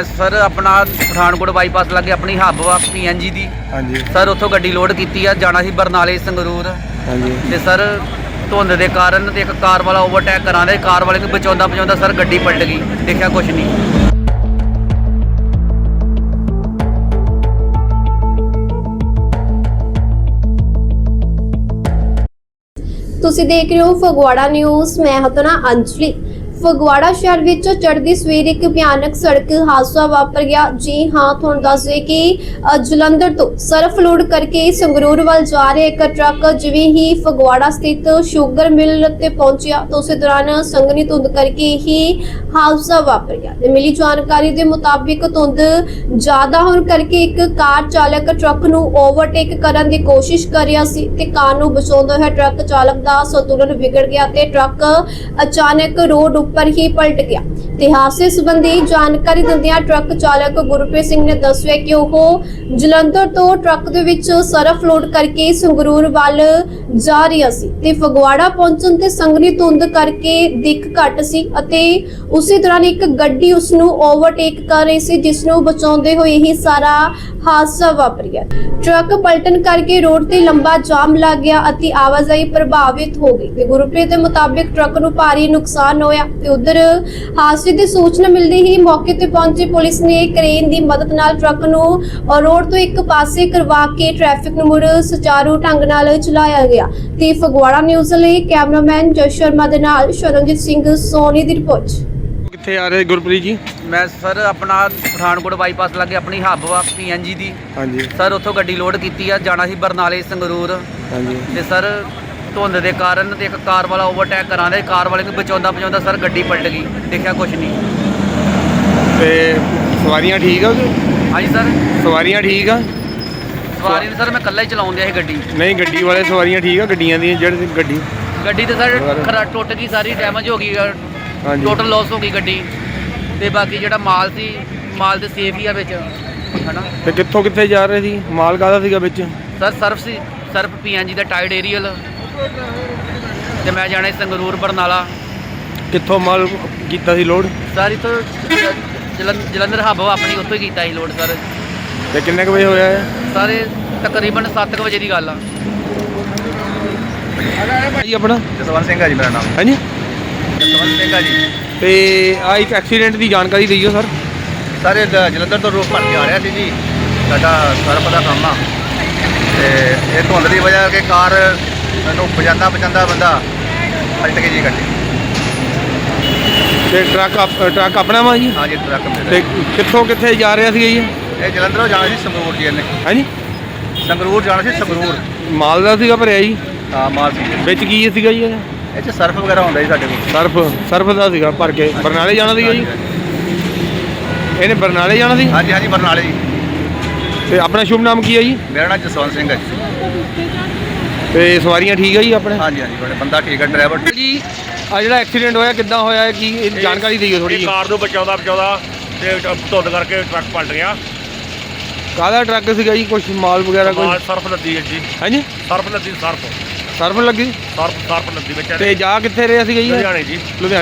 मैं सर अपना पठानकोट बाईपास लगे अपनी हब वा PNG दी। हाँ जी। सर उत्थों गड्डी लोड की जाना सी बरनाले संगरूर। हाँ जी। ते सर धुंध के कारण एक कार वाला ओवरटेक करा दे, कार वाले को बचाता सर गड्डी पलट गई, देखा कुछ नहीं। ਤੁਸੀਂ ਦੇਖ ਰਹੇ ਹੋ ਫਗਵਾੜਾ ਨਿਊਜ਼। ਮੈਂ ਹਤਨਾ ਅੰਜਲੀ। ਫਗਵਾੜਾ ਸ਼ਹਿਰ ਵਿੱਚ ਚੜ੍ਹਦੀ ਸਵੇਰ ਇੱਕ ਭਿਆਨਕ ਸੜਕ ਹਾਦਸਾ ਵਾਪਰ ਗਿਆ। ਜੀ ਹਾਂ, ਤੁਹਾਨੂੰ ਦੱਸ ਦਈਏ ਕਿ ਜਲੰਧਰ ਤੋਂ ਸਰਫ ਲੋਡ ਕਰਕੇ ਸੰਗਰੂਰ ਵੱਲ ਜਾ ਰਿਹਾ ਇੱਕ ਟਰੱਕ ਜਿਵੇਂ ਹੀ ਫਗਵਾੜਾ ਸਥਿਤ ਸ਼ੂਗਰ ਮਿਲ ਤੇ ਪਹੁੰਚਿਆ ਤਾਂ ਉਸੇ ਦੌਰਾਨ ਸੰਘਣੀ ਧੁੰਦ ਕਰਕੇ ਹੀ ਹਾਦਸਾ ਵਾਪਰ ਗਿਆ। ਤੇ ਮਿਲੀ ਜਾਣਕਾਰੀ ਦੇ ਮੁਤਾਬਿਕ ਧੁੰਦ ਜ਼ਿਆਦਾ ਹੋਣ ਕਰਕੇ ਇੱਕ ਕਾਰ ਚਾਲਕ ਟਰੱਕ ਨੂੰ ਓਵਰਟੇਕ ਕਰਨ ਦੀ ਕੋਸ਼ਿਸ਼ ਕਰ ਰਿਹਾ ਸੀ ਤੇ ਕਾਰ ਨੂੰ ਬਚਾਉਂਦਾ ਹੋਇਆ ਟਰੱਕ ਚਾਲਕ ਦਾ ਸੰਤੁਲਨ ਵਿਗੜ ਗਿਆ ਤੇ ਟਰੱਕ ਅਚਾਨਕ ਰੋਡ ਉੱਪਰ ਹੀ ਪਲਟ ਗਿਆ। ਤੇ ਹਾਦਸੇ ਸੰਬੰਧੀ ਜਾਣਕਾਰੀ ਦਿੰਦਿਆਂ ਟਰੱਕ ਚਾਲਕ ਗੁਰਪ੍ਰੀਤ ਸਿੰਘ ਨੇ ਦੱਸਿਆ ਕਿ ਉਹ ਜਲੰਧਰ ਤੋਂ ਟਰੱਕ ਦੇ ਵਿੱਚ ਸਰਫ ਲੋਡ ਕਰਕੇ ਸੰਗਰੂਰ ਵੱਲ ਜਾ ਰਿਹਾ ਸੀ ਤੇ ਫਗਵਾੜਾ ਪਹੁੰਚਣ ਤੇ ਸੰਘਣੀ ਧੁੰਦ ਕਰਕੇ ਦਿੱਖ ਘੱਟ ਸੀ ਅਤੇ ਉਸੇ ਦੌਰਾਨ ਇੱਕ ਗੱਡੀ ਉਸ ਨੂੰ ਓਵਰਟੇਕ ਕਰ ਰਹੀ ਸੀ, ਜਿਸ ਨੂੰ ਬਚਾਉਂਦੇ ਹੋਏ ਹੀ ਸਾਰਾ ਹਾਦਸਾ ਵਾਪਰ ਗਿਆ। ਟਰੱਕ ਪਲਟਣ ਕਰਕੇ ਰੋਡ ਤੇ ਲੰਬਾ ਜਾਮ ਲੱਗ ਗਿਆ ਅਤੇ ਆਵਾਜਾਈ ਪ੍ਰਭਾਵਿਤ ਹੋ ਗਈ ਤੇ ਗੁਰਪ੍ਰੀਤ ਦੇ ਮੁਤਾਬਿਕ ਟਰੱਕ ਨੂੰ ਭਾਰੀ ਨੁਕਸਾਨ ਹੋਇਆ ਤੇ ਉਧਰ ਹਾਦਸੇ ਦੀ ਸੂਚਨਾ ਮਿਲਦੀ ਹੀ ਮੌਕੇ ਤੇ ਪਹੁੰਚੀ ਪੁਲਿਸ ਨੇ ਕ੍ਰੇਨ ਦੀ ਮਦਦ ਨਾਲ ਟਰੱਕ ਨੂੰ ਰੋਡ ਤੋਂ ਇੱਕ ਪਾਸੇ ਕਰਵਾ ਕੇ ਟ੍ਰੈਫਿਕ ਨੂੰ ਮੁੜ ਸੁਚਾਰੂ ਢੰਗ ਨਾਲ ਚਲਾਇਆ ਗਿਆ। ਤੇ ਫਗਵਾੜਾ ਨਿਊਜ਼ ਲਈ ਕੈਮਰਾਮੈਨ ਜਸ ਸ਼ਰਮਾ ਦੇ ਨਾਲ ਸ਼ਰਨਜੀਤ ਸਿੰਘ ਸੋਨੀ ਦੀ ਰਿਪੋਰਟ। कित्थे आ रहे गुरप्रीत जी? मैं सर अपना पठानकोट बाईपास लगे अपनी हब वा PNG दी। हाँ जी। सर उत्थों गड्डी लोड की जाना सी बरनाले संगरूर। हाँ जी। ते सर धुंध के कारण एक कार वाला ओवरटेक करा दे, कार वाले को बचाता सर गड्डी पलट गई, देखा कुछ नहीं। ते सवारियां ठीक है? हाँ जी सर, सवारियां ठीक है? सवारी सर मैं कल्ला ही चलाउं दिया गड्डी। नहीं, गड्डी वाले सवारियां ठीक है? गड्डियां दी जेहड़ी गड्डी तो सर टुट गई, सारी डैमेज हो गई, हाँ जी। टोटल लॉस हो गई गड्डी। ते बाकी ਜਿਹੜਾ ਮਾਲ ਸੀ, ਮਾਲ ਤੇ ਸੇਫ ਹੀ ਆ ਵਿੱਚ, ਹਨਾ। ਤੇ ਕਿੱਥੇ ਜਾ ਰਹੇ ਸੀ? ਮਾਲ ਕਾਹਦਾ ਸੀਗਾ ਵਿੱਚ? ਸਰ ਸਰਫ ਸੀ, ਸਰਫ PNG ਦਾ ਟਾਈਡ ਏਰੀਅਲ ਤੇ ਮੈਂ ਜਾਣਾ ਸੀ ਸੰਗਰੂਰ ਬਰਨਾਲਾ। ਕਿੱਥੋਂ ਮਾਲ ਕੀਤਾ ਸੀ ਲੋਡ? ਸਾਰੀ ਤੋਂ ਜਲੰਧਰ ਹੱਬ ਆਪਣੀ ਉੱਥੋਂ ਹੀ ਕੀਤਾ ਸੀ ਲੋਡ ਸਰ। ਤੇ ਕਿੰਨੇ ਕੁ ਵਜੇ ਹੋਇਆ ਹੈ? ਸਾਰੇ ਤਕਰੀਬਨ 7 ਵਜੇ ਦੀ ਗੱਲ ਆ। ਜੀ ਆਪਣਾ? ਜਸਵੰਤ ਸਿੰਘ ਆ ਜੀ ਮੇਰਾ ਨਾਮ। ਹਾਂਜੀ। ਜਸਵੰਤ ਸਿੰਘ ਆ ਜੀ। ਤੇ ਆ ਇੱਕ ਐਕਸੀਡੈਂਟ ਦੀ ਜਾਣਕਾਰੀ ਦਿਓ ਸਰ। ਸਰ ਇਹ ਜਲੰਧਰ ਤੋਂ ਰੋਡ ਭਰ ਕੇ ਆ ਰਿਹਾ ਸੀ ਜੀ, ਸਾਡਾ ਸਰਪ ਦਾ ਕੰਮ ਆ ਤੇ ਇਹ ਧੁੰਦ ਦੀ ਵਜ੍ਹਾ ਕਰਕੇ ਕਾਰ ਨੂੰ ਬਚਾਉਂਦਾ ਬੰਦਾ ਪਲਟ ਗਈ ਜੀ ਗੱਡੀ। ਤੇ ਟਰੱਕ ਆਪਣਾ ਵਾ ਜੀ? ਹਾਂ ਜੀ, ਟਰੱਕ ਮੇਰਾ। ਤੇ ਕਿੱਥੇ ਜਾ ਰਿਹਾ ਸੀ ਜੀ? ਇਹ ਜਲੰਧਰੋਂ ਜਾਣਾ ਸੀ ਸੰਗਰੂਰ ਜੀ, ਇਹਨੇ ਹਾਂਜੀ। ਸੰਗਰੂਰ ਜਾਣਾ ਸੀ ਸੰਗਰੂਰ। ਮਾਲ ਦਾ ਸੀਗਾ ਭਰਿਆ ਜੀ? ਹਾਂ, ਮਾਲ ਸੀ। ਵਿੱਚ ਕੀ ਸੀਗਾ ਜੀ? ਇਹ 'ਚ ਸਰਫ ਵਗੈਰਾ ਹੁੰਦਾ ਜੀ ਸਾਡੇ ਕੋਲ। ਸਰਫ ਦਾ ਸੀਗਾ ਭਰ ਕੇ ਬਰਨਾਲੇ ਜਾਣਾ ਸੀਗਾ ਜੀ? ਇਹਨੇ ਬਰਨਾਲੇ ਜਾਣਾ ਸੀ? ਹਾਂਜੀ ਹਾਂਜੀ, ਬਰਨਾਲੇ ਜੀ। ਤੇ ਆਪਣਾ ਸ਼ੁਭ ਨਾਮ ਕੀ ਹੈ ਜੀ? ਮੇਰਾ ਨਾਮ ਜਸਵੰਤ ਸਿੰਘ ਹੈ ਜੀ। ਤੇ ਸਵਾਰੀਆਂ ਠੀਕ ਹੈ ਜੀ ਆਪਣੇ? ਹਾਂਜੀ ਹਾਂਜੀ, ਬੜੇ ਬੰਦਾ ਠੀਕ ਹੈ, ਡਰਾਈਵਰ ਜੀ। ਆ ਜਿਹੜਾ ਐਕਸੀਡੈਂਟ ਹੋਇਆ ਕਿੱਦਾਂ ਹੋਇਆ, ਕੀ ਇਹ ਜਾਣਕਾਰੀ ਦਿਓ ਥੋੜੀ ਜਿਹੀ। ਕਾਰ ਨੂੰ ਬਚਾਉਂਦਾ ਤੇ ਧੁੰਦ ਕਰਕੇ ਟਰੱਕ ਪਲਟ ਗਿਆ। ਕਾਹਦਾ ਟਰੱਕ ਸੀਗਾ ਜੀ? ਕੁਛ ਮਾਲ ਵਗੈਰਾ ਕੋਈ? ਸਰਫ ਲੱਦੀ ਹੈ ਜੀ। ਹਾਂਜੀ। ਸਰਫ ਲੱਦੀ, ਸਰਫ ਲੱਗੀ? ਸਰਫ ਲੱਦੀ ਵਿੱਚ। ਤੇ ਜਾ ਕਿੱਥੇ ਰਿਹਾ ਸੀਗਾ ਜੀ? ਲੁਧਿਆਣੇ ਜੀ।